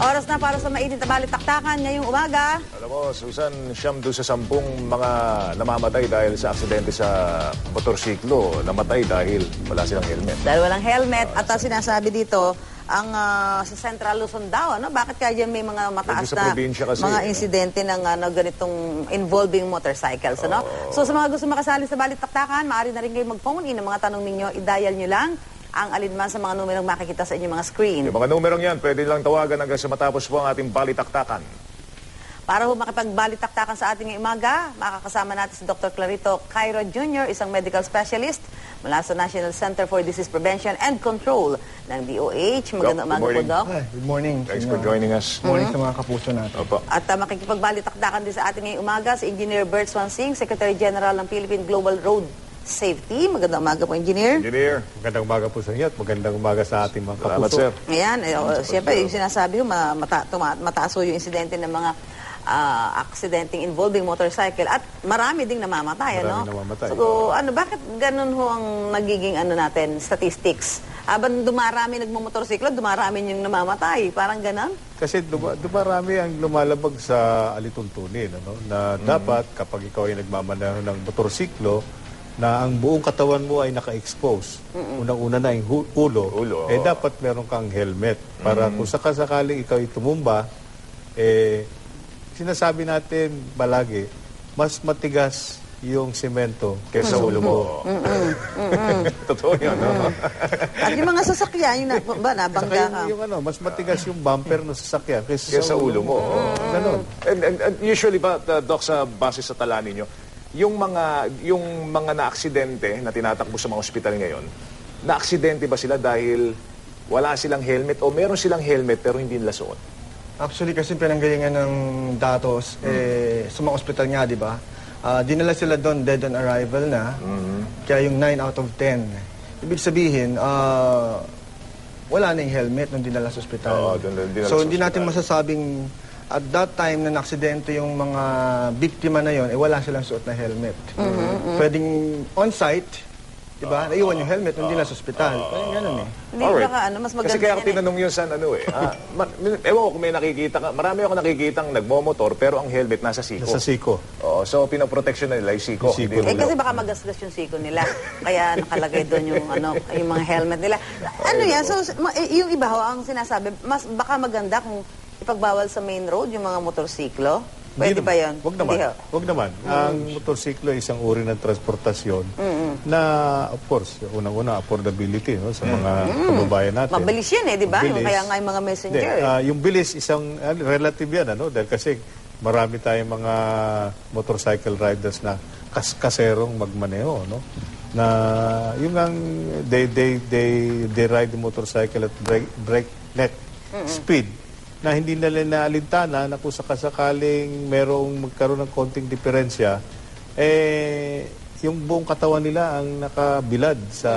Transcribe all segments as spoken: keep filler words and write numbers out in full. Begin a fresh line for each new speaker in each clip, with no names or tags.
Oras na para sa mainit na balitaktakan ngayong umaga.
Alam mo, Susan, siyam doon sa sampung mga namamatay dahil sa aksidente sa motorsiklo. Namatay dahil wala silang helmet.
Dahil walang helmet at uh, sinasabi dito, ang uh, sa Central Luzon daw, ano? Bakit kaya may mga mataas na
kasi,
mga insidente ng ano, ganitong involving motorcycles, ano? Oh. So sa mga gusto makasali sa balitaktakan, maaari na rin kayo mag-phone in ang mga tanong ninyo, i-dial nyo lang ang alinman sa mga numerong makikita sa inyong mga screen.
Yung mga numerong yan, pwede lang tawagan hanggang sa matapos po ang ating balitaktakan.
Para ho makipagbalitaktakan sa ating umaga, makakasama natin si Doctor Clarito Cairo Junior, isang medical specialist mula sa National Center for Disease Prevention and Control ng D O H. Magandang umaga po, Doc.
Hi, good morning.
Thanks for joining us.
Good morning mm-hmm. sa mga kapuso natin.
Opo.
At uh, makikipagbalitaktakan din sa ating ngayong umaga si Engineer Bert Swansing, Secretary General ng Philippine Global Road Safety. Magandang umaga po, Engineer.
Engineer.
Magandang umaga po sa inyo at magandang umaga sa ating mga kapuso.
Salamat, sir.
Ayan, eh, uh, siyempre, yung sinasabi ko, mata, tuma, mataas ho yung insidente ng mga uh, aksidenteng involving motorcycle at marami ding namamatay,
marami
ano?
namamatay.
So, ano, bakit ganun ho ang nagiging ano natin, statistics? Habang dumarami nagmamotorsiklo, dumarami yung namamatay. Parang ganun?
Kasi duma, dumarami ang lumalabag sa alituntunin, ano? Na mm-hmm. dapat kapag ikaw ay nagmamaneho ng motorsiklo, na ang buong katawan mo ay naka-expose. Mm-mm. Unang-una na yung ulo,
ulo.
eh dapat meron kang helmet. Para mm-hmm. kung sakasakaling ikaw ay tumumba, eh sinasabi natin balagi, mas matigas yung semento
kaysa ulo mo. Totoo yun, no?
At yung mga sasakyan, yung na, ba, nabangga ka?
Yung, yung ano, mas matigas yung bumper ng sasakyan kaysa,
kaysa
sa
ulo mo.
Mm-hmm. Ganon.
And, and, and usually ba, uh, Doc, sa base sa tala ninyo, yung mga yung mga na-aksidente na tinatakbo sa mga ospital ngayon, na-aksidente ba sila dahil wala silang helmet o meron silang helmet pero hindi nila suot?
Actually, kasi pinanggalingan ng datos, mm. eh, sa mga ospital nga, di ba? Uh, dinala sila doon, dead on arrival na. Mm-hmm. Kaya yung nine out of ten. Ibig sabihin, uh, wala na yung helmet nung dinala sa ospital.
Oo, dun, dun, dinala
so,
sa
hindi
ospital.
natin masasabing at that time na naksidente yung mga biktima na yon, eh wala silang suot na helmet. Mm-hmm, mm-hmm. Pwedeng on-site, di ba? Uh, Naiwan yung helmet, uh, hindi na sa ospital. Uh, Parang ganun eh.
Hindi
right.
baka ano, mas maganda.
Kasi kaya ako
eh.
tinanong yun sa ano eh. ah, ma- ewan ko kung may nakikita ka. Marami ako nakikitang nagmomotor pero ang helmet nasa siko.
Nasa siko.
Oo, so pinoprotection na nila yung siko.
Yung siko
eh kasi baka magasgas yung siko nila. Kaya nakalagay doon yung ano, yung mga helmet nila. Ano yan? So yung iba ho ang sinasabi, mas baka maganda kung ipagbawal sa main road yung mga motorsiklo. Pwede ba yan?
Huwag naman. Huwag naman. Mm. Ang motorsiklo ay isang uri ng transportasyon mm-hmm. na, of course, unang-una, affordability no, sa mga mm. kababayan natin.
Mabilis yan eh, di ba? Kaya nga yung mga messenger.
De, uh, yung bilis, isang uh, relative yan, ano? Dahil kasi marami tayong mga motorcycle riders na kas kaserong magmaneho, no? Na yung ang they, they, they, they ride the motorcycle at break, breakneck mm-hmm. speed na hindi nila naalintana na kung sakasakaling merong magkaroon ng konting diferensya, eh, yung buong katawan nila ang nakabilad sa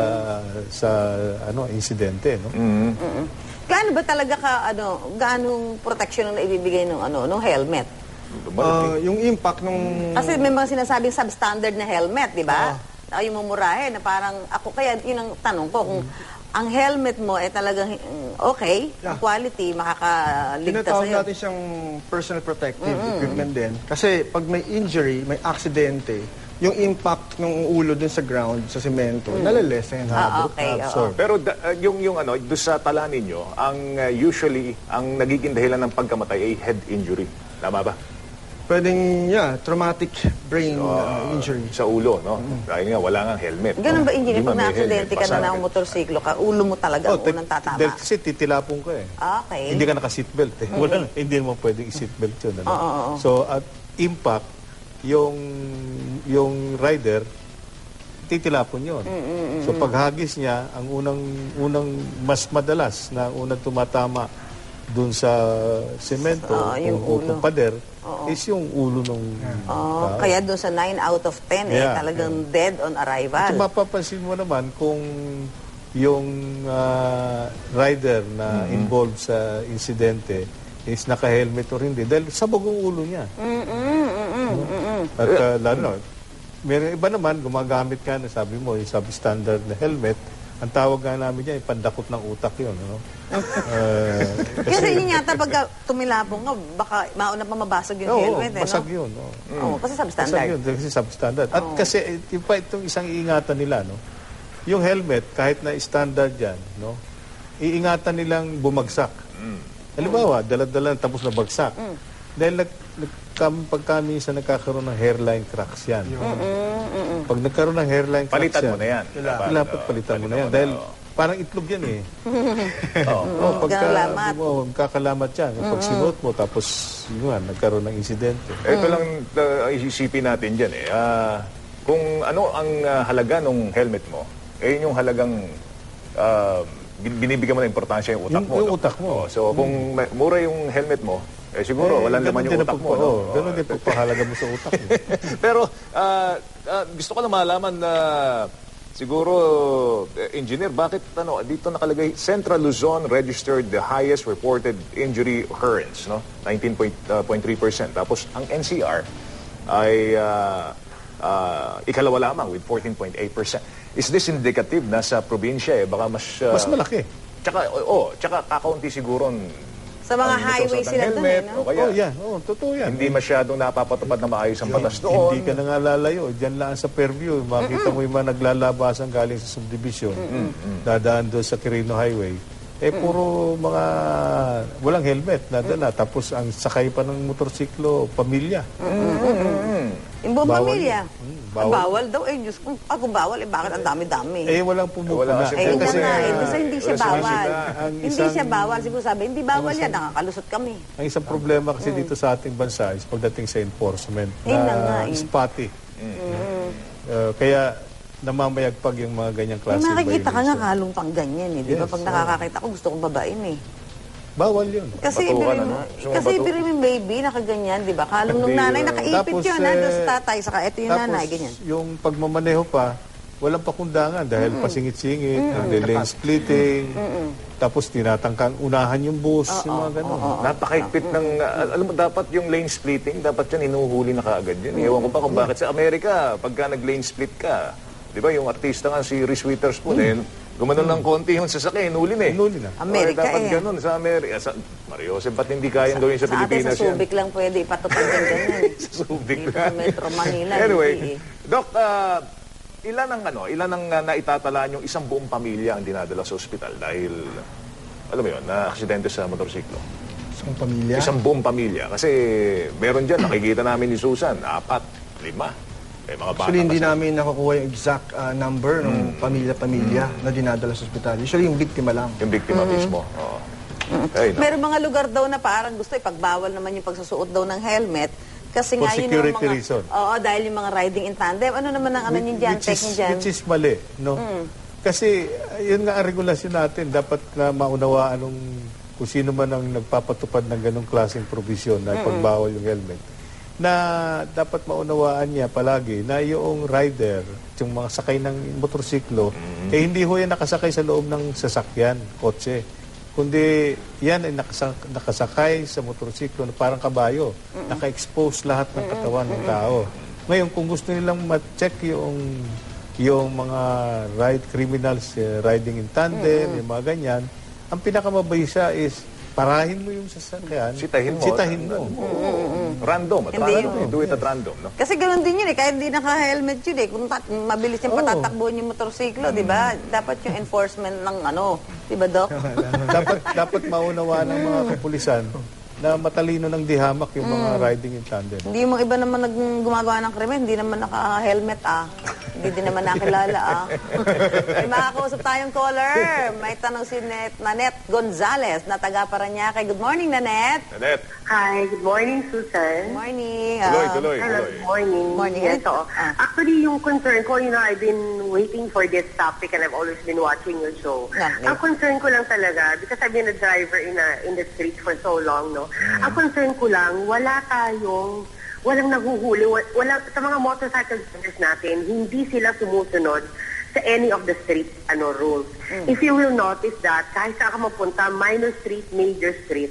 sa ano insidente, no?
Mm-hmm. Mm-hmm. Gaano ba talaga ka ano, gaanong protection ang naibibigay ng ano, ng helmet?
Uh, yung impact nung
kasi may mga sinasabing substandard na helmet, di ba? Uh, yung mumurahin na parang ako kaya yun ang tanong ko kung mm-hmm. ang helmet mo ay eh, talagang okay, yeah. quality, makakaligtas sa'yo.
Tinatawag natin siyang personal protective mm-hmm. equipment din. Kasi pag may injury, may aksidente, yung impact ng ulo dun sa ground, sa semento, mm. nalalesen.
Ah, okay.
So, pero da, uh, yung, yung ano, doon sa tala ninyo, ang uh, usually, ang nagiging dahilan ng pagkamatay ay head injury. Tama ba?
Pwedeng, yeah, traumatic brain
so,
uh, injury.
Sa ulo, no? Mm-hmm. Dahil nga, wala nga helmet.
Ganun ba, engineer?
Pag
Pag na-aksidente ka na ng motorsiklo ka, ulo mo talaga
oh,
ang unang tatama.
Dahil kasi titilapong ka eh.
Okay.
Hindi ka naka-seatbelt eh. Mm-hmm. Wala, hindi mo pwedeng i-seatbelt yun. Ano?
Oh, oh, oh.
So, at impact, yung, yung rider, titilapon yun. Mm-hmm. So, paghagis niya, ang unang, unang mas madalas na unang tumatama dun sa semento
uh,
o, o pader
Oo.
is yung ulo ng
oh, kaya doon sa nine out of ten
yeah,
eh talagang
yeah.
dead on arrival.
At mapapansin mo naman kung yung uh, rider na mm-hmm. involved sa insidente is naka-helmet or hindi dahil sabog ang ulo niya.
Mm-mm, mm-mm, mm-mm.
At uh, lalo, meron iba naman gumagamit ka na sabi mo yung substandard na helmet Ang tawag nga namin dyan, pandakot ng utak yun. Ano? uh,
Kasi yun yata pagka tumilapong ka, baka mauna pa mabasag yung
Oo,
helmet, eh,
basag
no?
yun. Oo.
Oo, kasi
Basag
substandard.
yun, kasi substandard. At
Oo.
kasi yung pa itong isang iingatan nila, no? Yung helmet, kahit na standard yan, no? Iingatan nilang bumagsak. Halimbawa, dala-dala tapos na bagsak. Dahil nag, nagkam, pagka minsan nagkakaroon ng hairline cracks yan. Pag nagkaroon ng hairline cracks
Palitan
yan,
mo na yan.
Dapat palitan mo na yan. Dahil parang itlog yan eh.
Oo.
Oh, pagka,
Kakalamat.
oh, kakalamat yan. Pag sinuot mo, tapos yun, nagkaroon ng insidente.
Ito lang uh, isipin natin dyan eh. Ah, kung ano ang ah, halaga ng helmet mo, eh yun yung halagang ah, bin- binibigyan mo na importansya yung utak
Yung-
mo.
yung
no?
utak mo.
Oh, so kung may- mura yung helmet mo, eh siguro
Eh,
walang
ganun
laman
din
yung
ang
utak mo.
pagpa-
No?
oh, ganun din pagpahalaga mo sa utak mo.
Pero ah, ah, gusto ko lang malaman na siguro, eh, engineer, bakit ano, dito nakalagay, Central Luzon registered the highest reported injury occurrence, no? nineteen point three percent. Tapos ang N C R ay ah, ah, ikalawa lamang with fourteen point eight percent. Is this indicative na sa probinsya eh? Baka mas... ah,
Mas malaki.
Tsaka, oo, oh, tsaka kakaunti siguro
Sa mga
ang
highway
nagsusuot ng
sila dun, eh,
helmet,
no?
o kaya,
Oh, yan. Oh, totoo yan.
hindi masyadong napapatupad na maayos ang batas doon.
Hindi ka na nga lalayo. Diyan lang sa Fairview. Makita mo yung mga naglalabasan galing sa subdivision. Dadaan doon sa Quirino Highway. Eh, puro mga walang helmet. Nadala. Tapos ang sakay pa ng motorsiklo, pamilya.
Yung buong
Bawal
pamilya.
yun. Mm,
Ah,
bawal.
bawal daw. Eh, Diyos ko, ah, kung bawal, eh, bakit ang dami-dami?
Eh, walang pumupuna.
Wala kasi
Eh, yun na
kasi,
nga, eh.
ah,
Gusto hindi siya
wala
bawal.
sila.
Ang
Hindi
isang-
siya bawal. Siguro sabi, hindi bawal yan. Nakakalusot kami.
Ang isang problema kasi dito sa ating bansa is pagdating sa enforcement
Eh, na nga, eh.
spotty. Uh, kaya namamayagpag yung mga ganyang
May
klase
makikita ka nga
violation.
kalong pang ganyan, eh. Di ba?
Yes,
Pag
oo.
nakakakita ko, gusto kong babain, eh.
Bawal yun.
Kasi
Batukan,
ibig
ano?
mo,
Gusto mo
kasi
batu-
ibig mo yung baby, nakaganyan, di ba? Kalong nung
Hindi,
nanay,
uh,
nakaipit
tapos,
yun,
eh,
nandun sa tatay, saka ito yung
Tapos,
nanay, ganyan.
yung pagmamaneho pa, walang pakundangan dahil pasingit-singit, mm lane splitting, tapos tinatangkang unahan yung bus, yung mga gano'n.
Napakaigpit ng, uh, alam mo, dapat yung lane splitting, dapat yan hinuhuli na kaagad yun. Ewan ko pa kung bakit sa Amerika, pagka nag-lane split ka, di ba yung artista nga si Reese Witherspoon, eh, gumanon ng konti yung sasakyan, hinuli na eh.
Hinuli na.
Amerika,
dapat
eh.
ganun sa Amerika. Sa, Mario, ba't hindi kayang gawin sa,
Sa atin,
Pilipinas
sa
yan?
Subic lang pwede ipatupad yung ganyan.
Sa Subic
Dito sa Metro Manila,
Anyway,
hindi eh.
Doc, ah, ilan ang ano, ilan ang uh, naitatalaan yung isang buong pamilya ang dinadala sa ospital dahil, alam mo yun, na aksidente sa motorsiklo?
Isang pamilya.
Isang buong pamilya. Kasi meron dyan, nakikita namin ni Susan, apat, lima. Eh, mga bata
Actually, hindi
kasi.
namin nakukuha yung exact ah, number ng pamilya-pamilya na dinadala sa ospital. Usually, yung biktima lang.
Yung biktima mismo. Oo. Ay, no.
Meron mga lugar daw na parang gusto ipagbawal naman yung pagsusuot daw ng helmet. Kasi
For
nga yun yung
security
mga...
reason.
Oo, dahil yung mga riding in tandem. Ano naman ang ano nyo dyan,
which,
tech
is,
nyo dyan?
which is mali, no? Kasi uh, yun nga ang regulasyon natin, dapat na maunawaan nung kung sino man ang nagpapatupad ng ganong klaseng provision na pagbawal yung helmet, na dapat maunawaan niya palagi na yung rider, yung mga sakay ng motorsiklo, eh hindi ho yan nakasakay sa loob ng sasakyan, kotse. Kundi yan ay nakasak- nakasakay sa motorsiklo na parang kabayo. Naka-expose lahat ng katawan ng tao. Ngayon, kung gusto nilang ma-check yung yung mga ride criminals eh, riding in tandem, yung mga ganyan, ang pinakamabisa is parahin mo yung sasakyan,
Sitahin mo.
sitahin mo.
Random. At
Hindi
random.
yun.
Do it at random. No?
Kasi ganoon din yun eh, kahit hindi naka-helmet yun eh. Kung tat- mabilis yung patatakbuhan yung motorsiklo, di ba? Dapat yung enforcement ng ano, di ba, Doc?
dapat dapat maunawa ng mga kapulisan na matalino ng dihamak yung mga riding in tandem.
Hindi yung mga iba naman nag gumagawa ng krimen, hindi naman naka-helmet ah. Hindi din naman nakilala ah. May makakausap tayong caller. May tanong si Net, Nanette Gonzalez na taga Paranaque. Good morning, Nanette.
Nanette.
Hi, good morning,
Good
Susan.
morning.
Tuloy,
Ah,
tuloy,
Hello,
tuloy.
good morning.
Morning.
Yes, oo.
Ah.
Actually, yung concern ko, you know, I've been waiting for this topic and I've always been watching your show.
Okay.
Ang concern ko lang talaga, because I've been a driver in a, in the street for so long, no? Ang concern ko lang, wala tayong, walang nahuhuli, wa- wala, sa mga motorcycle drivers natin, hindi sila sumusunod sa any of the street ano rules. If you will notice that, kahit saan ka mapunta, minor street, major street,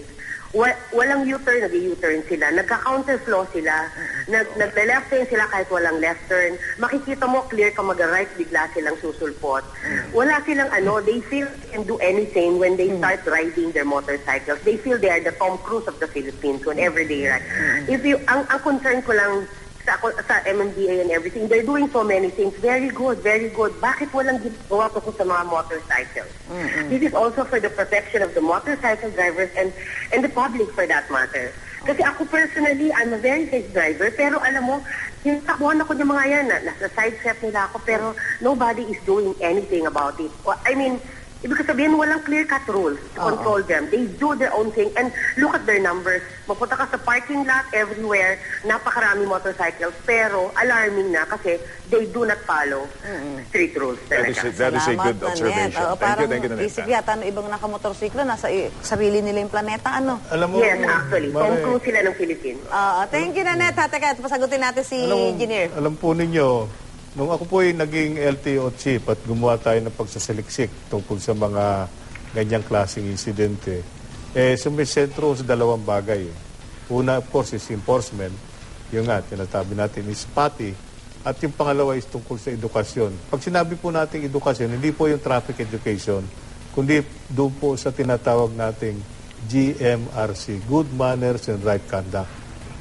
wa- walang U-turn, nag-U-turn sila. Nagka-counterflow sila. Nag Nag-left turn sila kahit walang left turn. Makikita mo clear ka mag-right, bigla silang susulpot. Wala silang ano, they feel they can do anything when they start riding their motorcycles. They feel they are the Tom Cruise of the Philippines whenever they ride. If you, ang, ang concern ko lang sa, sa M M D A and everything, they're doing so many things. Very good, very good. Bakit walang ginagawa ko sa mga motorcycles? This is also for the protection of the motorcycle drivers and and the public for that matter. Kasi ako personally, I'm a very safe driver, pero alam mo, yung takbuhan ako ng mga yan, na, nasa side step nila ako, pero nobody is doing anything about it. I mean, ibig sabihin, walang clear-cut rules to control them. They do their own thing. And look at their numbers. Mapunta ka sa parking lot everywhere, napakarami motorcycles, pero alarming na kasi they do not follow street rules.
That is,
Talaga.
that is a good
Nanette.
observation.
Oo,
Thank
parang
you, thank you, Nanette.
isip yata ng ibang nakamotorsiklo, nasa i- sarili nila yung planeta, ano?
Alam mo,
Yes, actually. Tom
Mare,
Cruise sila ng Philippines.
Oo, thank you, Nanette. Ha, teka, pasagutin natin si
alam,
Engineer.
alam po ninyo, nung ako po ay naging L T O chief at gumawa tayo ng pagsasaliksik tungkol sa mga ganyang klaseng insidente, eh, sumisentro sa dalawang bagay. Una, of course, is enforcement. Yung nga, tinatabi natin is pati. At yung pangalawa is tungkol sa edukasyon. Pag sinabi po natin edukasyon, hindi po yung traffic education, kundi doon po sa tinatawag nating G M R C, Good Manners and Right Conduct.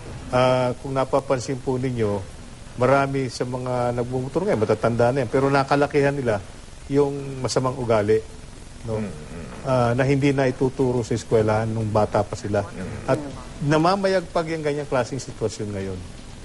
Ah, kung napapansin po ninyo, marami sa mga nagmumotor ngayon, matatanda na yan, pero nakalakihan nila yung masamang ugali, no? Ah, na hindi na ituturo sa eskwelahan nung bata pa sila. At namamayagpag yung ganyang klaseng sitwasyon ngayon.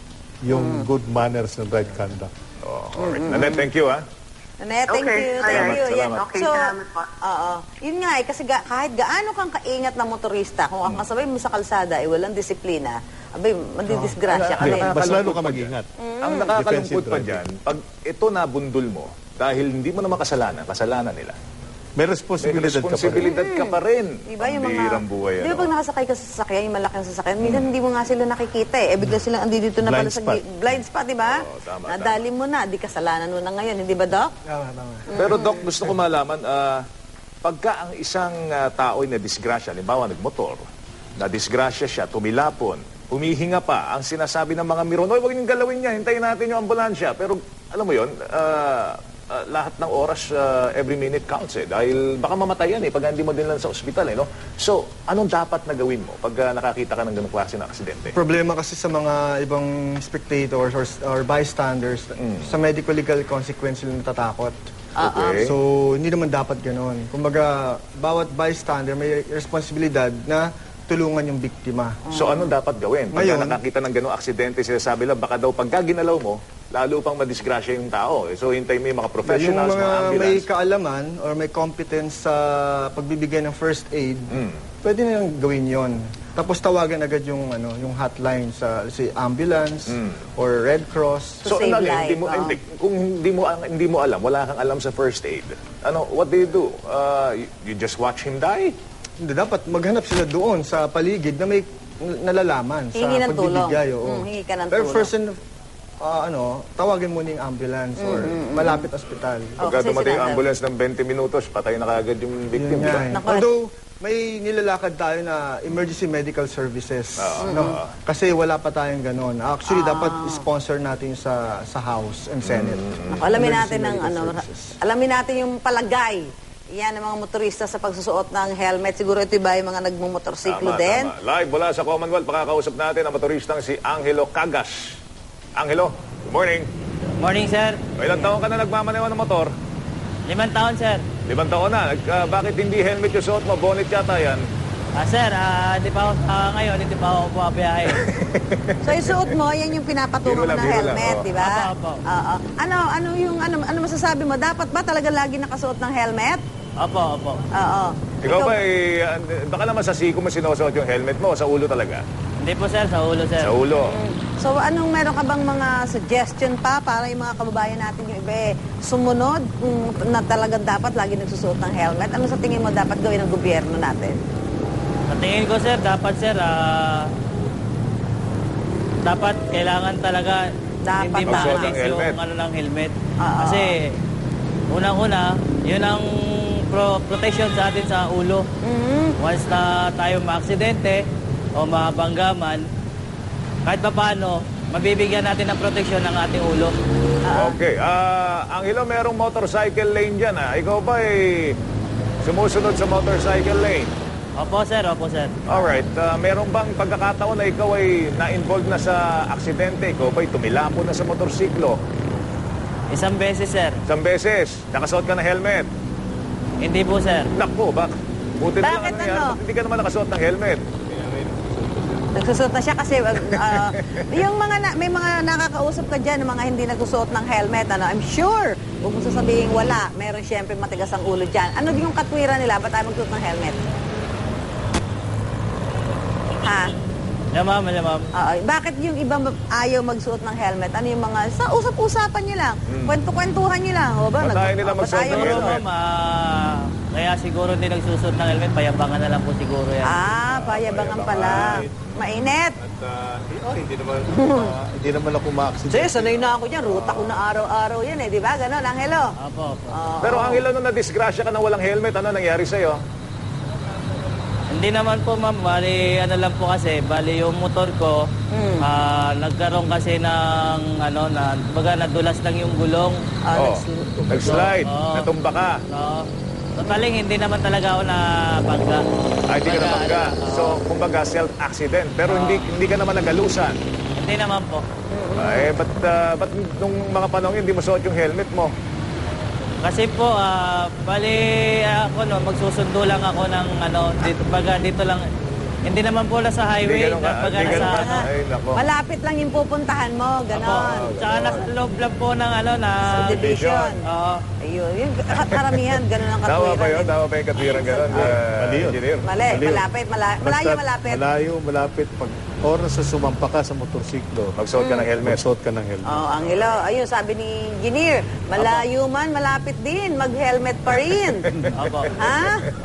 Yung good manners and right conduct.
Oh, alright. Nanette, thank you, ha?
Nanette, thank
Okay,
you, thank
alright.
you. Yan.
Salamat.
Okay,
So,
salamat po.
oo. Yun nga eh, kasi ga, kahit gaano kang kaingat na motorista, kung ang kasabay mo sa kalsada ay walang disiplina, abay, madidisgrasya ka
Hindi,
rin.
Mas lalo
Nakakalungkot
ka
pa
mag-ingat.
Ang nakakalungkot
Defensive
pa
driving.
dyan, pag ito nabundol mo, dahil hindi mo naman kasalanan, kasalanan nila.
May
May
responsibilidad ka pa rin.
responsibilidad ka pa rin.
Diba yung
Ang
mga...
bihirang buhay,
Di ba
ano?
pag nakasakay ka sa sasakyan, yung malaking sasakyan, minsan hindi mo nga sila nakikita eh. Eh, bigla silang andito na pala
Blind
sa
spot.
gi- blind spot, di ba?
Oo, tama,
Nadali mo na, di kasalanan mo na ngayon, hindi ba, Doc?
Tama, tama.
Pero Doc, gusto ko malaman, ah, pagka ang isang ah, tao ay nadisgrasya, halimbawa nagmotor, nadisgrasya siya, tumilapon, humihinga pa, ang sinasabi ng mga miron, oy, huwag niyong galawin niya, hintayin natin yung ambulansya. Pero alam mo yun, ah, ah, lahat ng oras, ah, every minute counts eh. Dahil baka mamatay yan eh, pag hindi mo din lang sa ospital eh, no? So, anong dapat na gawin mo pag ah, nakakita ka ng ganong klase ng aksidente?
Problema kasi sa mga ibang spectators or, or bystanders, sa medical legal consequence sila natatakot.
Okay.
So, hindi naman dapat ganoon. Kumbaga, bawat bystander may responsibilidad na tulungan yung biktima.
So, anong dapat gawin? Pag
Ngayon-
nakakita ng ganong aksidente, sinasabi lang, baka daw pagka ginalaw mo, lalo pang madisgrasya yung tao. eh. So, hintay mo yung mga
Yung
professionals, mga,
mga may
ambulance.
kaalaman or may competence sa pagbibigay ng first aid,
Mm.
pwede nilang gawin yon. Tapos tawagan agad yung ano, yung hotline sa si ambulance or Red Cross.
To save
ano,
life,
hindi mo,
oo.
hindi, kung hindi mo, hindi mo alam, wala kang alam sa first aid, ano, what do you do? Uh, you, you just watch him die?
Hindi, dapat maghanap sila doon sa paligid na may nalalaman sa
Hingi ng tulong.
pagbibigay. oo.
Mm, hingi ka ng
Pero
tulong.
first, and, ah, ano, tawagin mo na yung ambulance or malapit ospital.
Oh,
Pagka
kasi
dumating yung
sinasabi-
ambulance ng twenty minutos, patay na kaagad yung
Yun
victim.
nga
diba?
eh.
Naku,
Although, may nilalakad tayo na emergency medical services. no? Kasi wala pa tayong ganon. Actually,
Ah.
dapat sponsor natin sa sa House and Senate.
Naku, alamin
Emergency
natin ng
medical
ano,
services.
alamin natin yung palagay. Yan ang mga motorista sa pagsusuot ng helmet. Siguro ito ba yung mga nagmumotorsiklo
Tama,
din?
tama. Live mula sa Commonwealth, pakakausap natin ang motoristang si Angelo Cagas. Angelo, good morning.
Morning, sir.
O, ilang taon ka na nagmamaneho ng motor?
Limang taon, sir.
Limang taon na. Nag- ah, bakit hindi helmet yung suot mo? Bonnet yata yan.
Ah, sir, ah, di pa ako, ah, ngayon, hindi pa ako bumabiyahe.
So isuot mo, yan yung pinapatungan
Biro
mo
lang,
ng
biro lang,
helmet,
oo.
di ba?
Apo, apo.
Oo. Ano, ano yung, ano, ano masasabi mo? Dapat ba talaga lagi nakasuot ng helmet?
Opo, opo.
Oo.
Ikaw ba, eh, ah, baka naman sa siko mo sinusuot yung helmet mo o sa ulo talaga?
Hindi po, sir, sa ulo, sir.
Sa ulo.
So anong meron ka bang mga suggestion pa para yung mga kababayan natin yung iba eh, sumunod kung na talagang dapat lagi nagsusuot ng helmet? Ano sa tingin mo dapat gawin ng gobyerno natin?
Sa tingin ko, sir, dapat, sir, ah, dapat kailangan talaga
Dapat
hindi
tama.
maalis
Magsuot ng helmet.
yung ano ng helmet.
Oo.
Kasi, unang-una, yun ang pro protection sa atin sa ulo. Once na tayo ma-aksidente o mabanggaman, kahit pa paano, mabibigyan natin ng proteksyon ng ating ulo.
Okay. Ah, Angelo, merong motorcycle lane dyan. Ah. Ikaw ba ay sumusunod sa motorcycle lane?
Opo, sir. Opo, sir.
Alright. Uh, meron bang pagkakataon na ikaw ay na-involved na sa aksidente? Ikaw ba ay tumilapo na sa motorsiklo?
Isang beses, sir.
Isang beses. Nakasuot ka ng helmet.
Hindi po, sir.
Naku, bak. Buti na lang
Bakit
nangyari.
ano?
Ba't hindi ka naman nakasuot ng helmet?
Nagsusuot na siya kasi uh, yung mga na, may mga nakakausap ka dyan, mga hindi nagsusuot ng helmet, ano, I'm sure, huwag mo sasabihin wala, meron siyempre matigas ang ulo dyan. Ano yung katwiran nila? Ba't tayo magsuot ng helmet? Ha?
Yeah, ma'am. Yeah, ma'am.
Oo. Bakit yung iba ma- ayaw magsuot ng helmet? Ano yung mga, sa usap-usapan nyo lang, kwento-kwentuhan nyo lang. O ba?
Ba't ayaw nila
o, ba't
magsuot
ayaw
ng
Siguro,
helmet?
ma'am, ah, kaya siguro hindi nagsusuot ng helmet, payabangan na lang po siguro yan.
Ah, payabangan pala. Mainit.
At ah, oh, hindi naman ah, hindi naman ako ma-accident.
Sige, sanay na ako dyan. Ruta ko na araw-araw yan eh. Di ba? Ganon, Angelo?
Opo, opo.
Oo.
Pero Angelo, nung na-disgrasya ka na walang helmet, ano nangyari sa'yo?
Hindi naman po, ma'am. Bali, ano lang po kasi, bali yung motor ko,
Hmm.
ah, nagkaroon kasi ng, ano, na, baga nadulas lang yung gulong.
Ah,
Oh,
nags-
nag-slide,
Oo.
natumba ka.
So, totaling, hindi naman talaga ako na bangga.
Ay, hindi ka
Baga,
namangga.
ano,
So, kumbaga, self-accident. Pero hindi hindi ka naman nagalusan.
Hindi naman po.
Eh, ba't, ah, ba't nung mga panahon yun, hindi mo suot yung helmet mo?
Kasi po, ah, bali ako no, magsusundo lang ako ng ano, dito, baga dito lang. Hindi naman po na sa highway,
ganun ka-
baga
hindi ganun
nasa
ka-
ano.
Ay, nako.
Malapit lang yung pupuntahan mo.
Opo,
Ganon.
tsaka nasa loob lang po ng ano na...
Subdivision.
Oo.
Ayun. Yung ka- karamihan, ganon ang
Tama
katwiran.
ba yun?
eh.
Tama ba yung katwiran gano'n?
Mali yun.
Engineer?
Mali,
Mali yun.
malapit, mala- malayo,
Basta
malapit.
Malayo, malapit. Pag oras sa sumampa ka sa motorsiklo,
Magsuot ka ng helmet.
magsuot ka ng helmet.
Oh, Angelo, ayun, sabi ni Engineer, malayo man, malapit din, mag-helmet pa rin.
Opo.
Ha?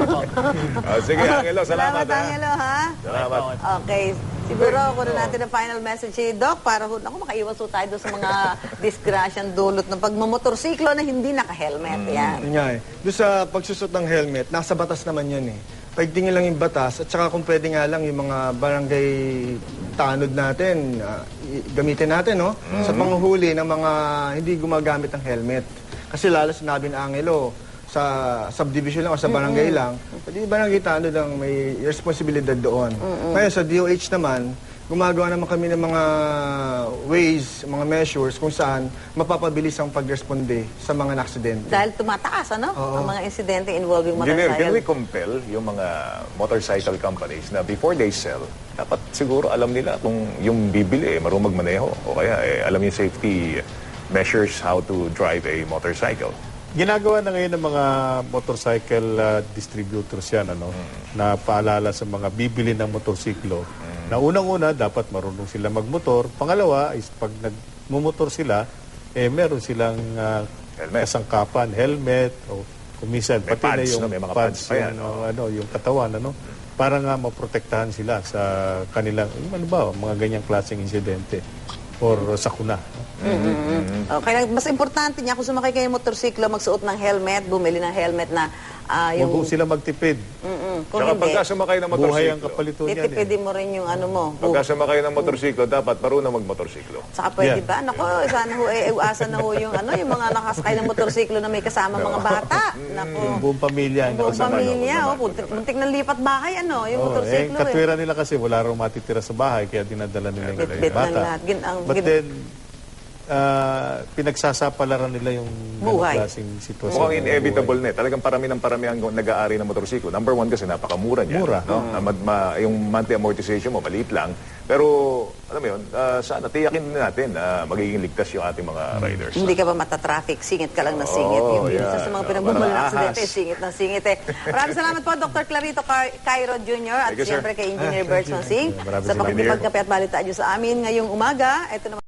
Oh, sige, Angelo, salamat. ha?
Angelo, ha?
Salamat.
Okay. Siguro, kunin natin ang final message si Doc para ho, ako makaiwas ho tayo doon sa mga disgrasyang dulot ng pagmamotorsiklo na hindi naka-helmet. Yan.
Yun nga eh. Doon sa pagsusot ng helmet, nasa batas naman yun eh. Paigtingin lang yung batas at saka kung pwede nga lang yung mga barangay tanod natin, ah, i- gamitin natin, no? Sa panguhuli ng mga hindi gumagamit ng helmet. Kasi lalo sinabi ng Angelo, sa subdivision lang o sa barangay lang, pwede barangay tanod ang may responsibilidad doon. Ngayon sa D O H naman, gumagawa naman kami ng mga ways, mga measures kung saan mapapabilis ang pagresponde sa mga naksidente.
Dahil tumataas, ano? Ang mga insidente involving
Engineer, can we
motorcycle.
compel yung mga motorcycle companies na before they sell, dapat siguro alam nila kung yung bibili, eh, marunong magmaneho o kaya eh, alam yung safety measures how to drive a motorcycle.
Ginagawa na ngayon ng mga motorcycle uh, distributors yan, ano, na paalala sa mga bibili ng motorsiklo. Na unang-una, dapat marunong sila magmotor. Pangalawa, is pag nagmumotor sila, eh, meron silang uh,
Helmet.
kasangkapan, helmet, o kumisan,
May
pati na
pads,
yung
no? May mga pads pa yan,
yung,
no?
ano, yung katawan, ano, para nga maprotektahan sila sa kanilang, yung ano ba, mga ganyang klaseng insidente or sakuna.
Okay, lang, mas importante niya kung sumakay kayo ng motorsiklo, magsuot ng helmet, bumili ng helmet na ah,
Huwag
yung...
po sila magtipid.
Mm-mm. Kung
Saka
hindi,
pagka sumakay ng
Buhay ang
motorsiklo,
kapalito niyan eh.
titipidin mo rin yung ano mo.
pagka sumakay ng motorsiklo, dapat marunong magmotorsiklo.
Saka pwede
Yeah.
ba? Naku, sana ho, eh, iwasan na ho yung, ano, yung mga nakasakay ng motorsiklo na may kasama mga bata. Naku,
Yung buong pamilya. ang
buong
nakasama.
pamilya, oh, muntik, muntik na lipat bahay, ano, yung
Oo, eh,
motorsiklo. Eh,
katwira nila kasi wala raw matitira sa bahay kaya dinadala nila yung
Bit-bit ng
bata.
lahat. Gin- ang-
But
gin-
then, ah, pinagsasapalaran nila yung
Buhay.
ganong klaseng sitwasyon.
Mukhang
ng
inevitable
buhay.
na eh. Talagang parami ng parami ang nag-aari ng motorsiklo. Number one kasi napakamura niya.
Mura.
No? Na mad- ma- yung monthly amortization mo, maliit lang. Pero, alam mo yun, ah, sana tiyakin din natin na magiging ligtas yung ating mga riders.
Hindi ka ba matatraffic? Singit ka lang na singit.
Oo,
yung
yeah.
isa sa mga
Oo,
pinagmumula ng
para
aksidente,
ahas.
singit na singit eh. Maraming salamat po, Doctor Clarito Car- Cairo Junior at
Thank you, sir.
siyempre kay Engineer Bertson Singh
Maraming
sa
salamat.
pagkipagkape at balitaan niyo sa amin ngayong umaga. Ito naman